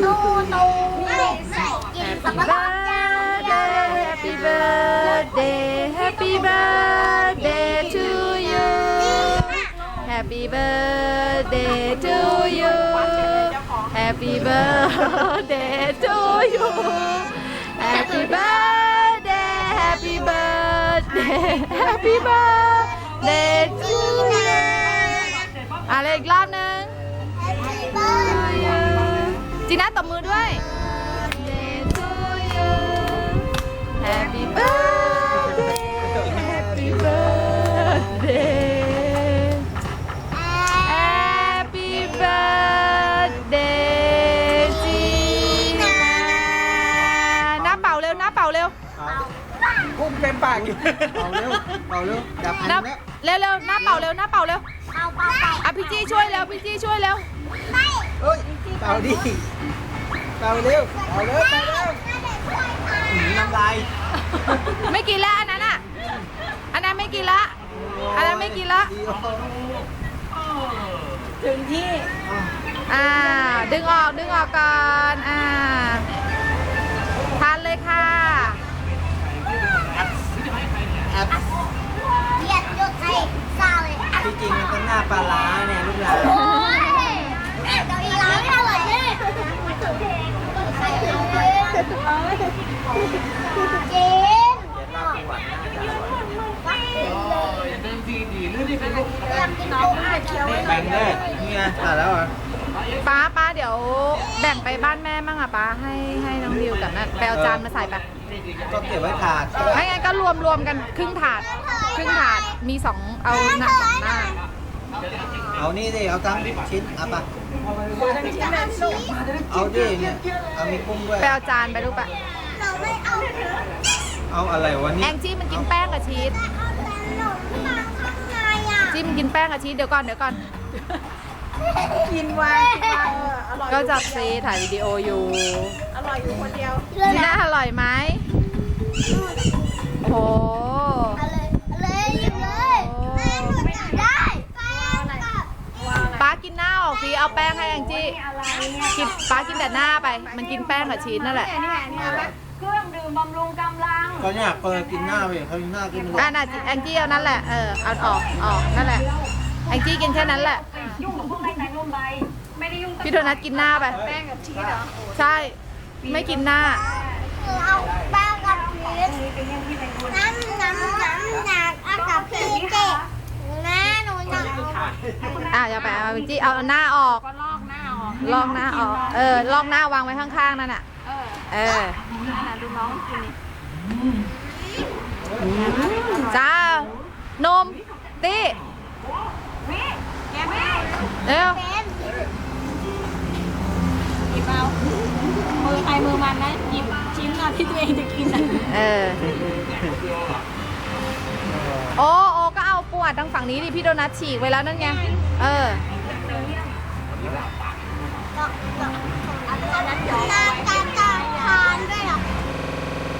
ตูไม่กินสับปะรด Happy birthday Happy birthday to you Happy birthday to you Happy birthday to you Happy birthday Happy birthday Happy birthday to you อะไรอีกรอบนึงจีน่าตบมือด้วย Happy birthday Happy birthday Happy birthday จีน่าหน้าเป่าเร็วหน้าเป่าเร็วกุ้งเต็มปากอยู่เอาเร็วเอาเร็วดับอันหน้าแล้วเร็วหน้าเป่าเร็วหน้าเป่าเร็วเอาเปล่าอ่ะพี่จี้ช่วยเร็วพี่จี้ช่วยเร็วเอ้ยเป่าดิเป่าเร็วเป่าเร็วเป่าเร็วน้ำลายไม่กินละอันนั้นอ่ะอันนั้นไม่กินละอันนั้นไม่กินละถึงที่ดึงออกก่อนทานเลยค่ะแอปเหยียดยดไทยซาเลยที่จริงมันก็หน้าปลาร้าเนี่ยลูกหลานโอ้ยเดี๋ยวอีร้านไม่อร่อยเลยใครเอาเลยเจนเดี๋ยวเราปวดหน้าจะอยากกินกุ้งเคี้ยวแบ่งเลยนี่ไงตัดแล้วเหรอป้าเดี๋ยวแบ่งไปบ้านแม่มั่งอ่ะป้าให้น้องดิวกับนั่นไปเอาจานมาใส่ไปก็เก็บไว้ถาดไม่งั้นก็รวมกันครึ่งถาดมีสองเอาหน้าสองหน้าเอานี่ดิเอาทั้งชิ้นเอาปะเอาดิเนี่ยเอามีกุ้งด้วยไปเอาจานไปลูกปะเราไม่เอาเอาอะไรวะแอนี่งจี้มันกินแป้งกับชีสเอาแต่ขนมมาข้างในอ่ะจี้มันกินแป้งกับชีสเดี๋ยวก่อนกินวางอร่อยก็จับซีถ่ายวิดีโออยู่อร่อยอยู่คนเดียวจีน่าอร่อยไหมโอ้โหเอาเลยหยิบเลยแม่หนูอยากได้แป้งกับป้ากินหน้าออกสิเอาแป้งให้แองจี้กินป้ากินแต่หน้าไป มันกินแป้งกับชีสนั่นแหละเครื่องดื่มบำรุงกำลังก็เนี่ยเปิดกินหน้าไปเขากินหน้ากินเลยน่ะแองจี้เอานั่นแหละเอาออกนั่นแหละแองจี้กินแค่นั้นแหละยุ่งกับพวกในแต่นุ่มใบไม่ได้ยุ่งกับพี่โดนัทกินหน้าไปแป้งกับชีสเหรอใช่ ไม่กินหน้าหนูเอาแป้งกับชีสเป็นยังที่เป็นคนน้ำหนักเอากับพี่เจ๊แม่หนูอยากเอาอย่าไปเอาแองจี้เอาหน้าออกก็ลอกหน้าออกลอกหน้าออกลอกหน้าวางไว้ข้างๆนั่นน่ะดูน้องกินนี่จ้านมตี้แกไม่เร็วเป็นหยิบเอามือใครมือมันนะหยิบชิ้นน่ะที่ตัวเองจะกินอ่ะโอ้ก็เอาปวดทางฝั่งนี้ดิพี่โดนัทฉีกไว้แล้วนั่นไงอันนั้นเดี๋ยวการทานด้วยเหรอ